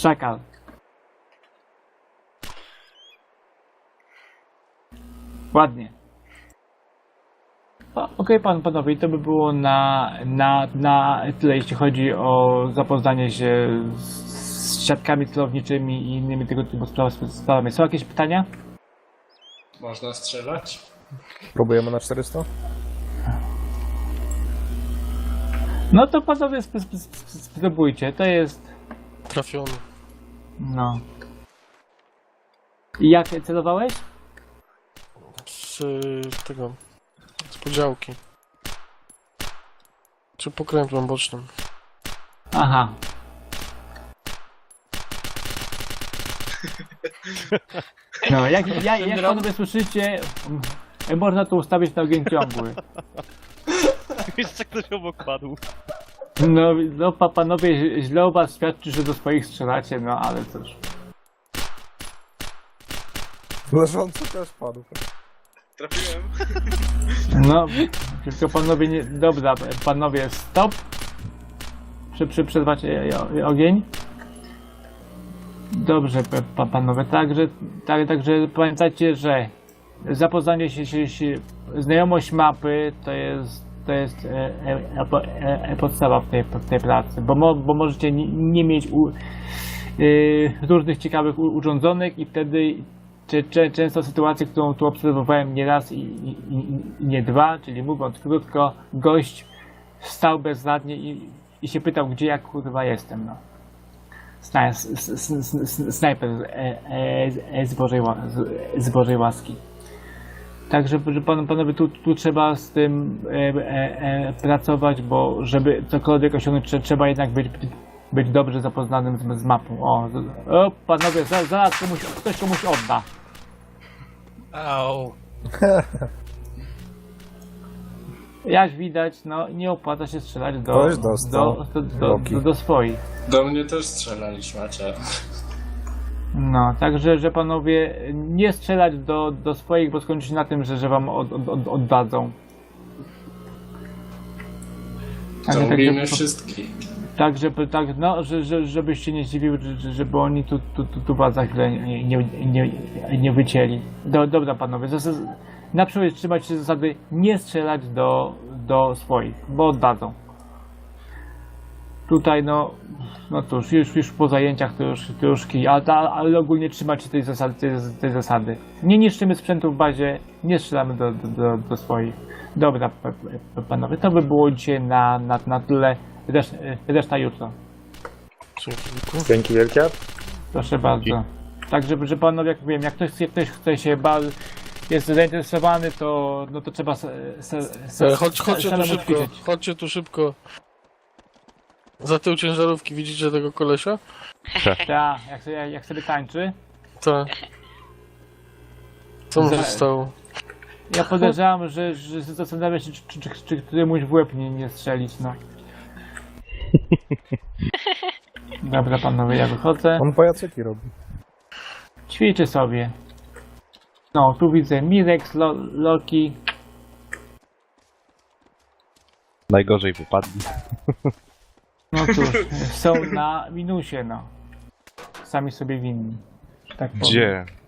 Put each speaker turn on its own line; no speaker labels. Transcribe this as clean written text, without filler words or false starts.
Szakal. Ładnie. Okej, panowie, i to by było na tyle, jeśli chodzi o zapoznanie się z siatkami celowniczymi i innymi tego typu sprawami. Są jakieś pytania?
Można strzelać?
Próbujemy na 400?
No to panowie spróbujcie, to jest...
Trafiony.
No. I jak celowałeś?
Z tego... z podziałki. Czy pokrętłem bocznym.
Aha. No, jak panowie słyszycie, można to ustawić na ogień ciągły.
Jeszcze ktoś obok padł.
No panowie, źle o was świadczy, że do swoich strzelacie, no ale cóż.
Leżący też padł.
Trafiłem.
No, tylko panowie nie... Dobra, panowie, stop. Przerwacie ogień. Dobrze, panowie, także pamiętajcie, że zapoznanie się znajomość mapy to jest podstawa w tej pracy, bo możecie nie mieć różnych ciekawych urządzonek i wtedy często sytuację, którą tu obserwowałem nie raz i nie dwa, czyli mówiąc krótko, gość stał bezradnie i się pytał, gdzie ja kurwa jestem, no. Snajper z Bożej łaski. Także panowie, tu trzeba z tym pracować, bo żeby cokolwiek osiągnąć, trzeba jednak być dobrze zapoznanym z mapą. O panowie, zaraz ktoś komuś odda.
Au.
Jak widać, no nie opłaca się strzelać
Ktoś dostał.
do swoich.
Do mnie też strzelali szmacie.
No, także, że panowie nie strzelać do swoich, bo skończy się na tym, że wam oddadzą.
Zabijmy wszystkich.
Żebyś się nie zdziwił, żeby oni tu was za chwilę nie wycięli. Dobra panowie, na przykład trzymać się zasady nie strzelać do swoich, bo oddadzą. Tutaj no cóż, już po zajęciach to już kij, ale ogólnie trzymać się tej zasady. Nie niszczymy sprzętu w bazie, nie strzelamy do swoich. Dobra panowie, to by było dzisiaj na tyle, reszta jutro.
Dzięki wielkie.
Proszę bardzo. Także, że panowie, jak wiem, jak ktoś chce się jest zainteresowany, to trzeba
Chodźcie tu szybko, chodźcie tu szybko. Za tył ciężarówki widzicie tego kolesia?
Tak, jak sobie tańczy.
Tak. Co mu się stało?
Ja podejrzewam, że zastanawia się, czy któremuś w łeb nie strzelić, no. Dobra panowie, ja wychodzę.
On pajacyki robi.
Ćwiczy sobie. No, tu widzę Mirex, Loki.
Najgorzej wypadli.
No cóż, są na minusie, no. Sami sobie winni. Tak powiem.
Gdzie?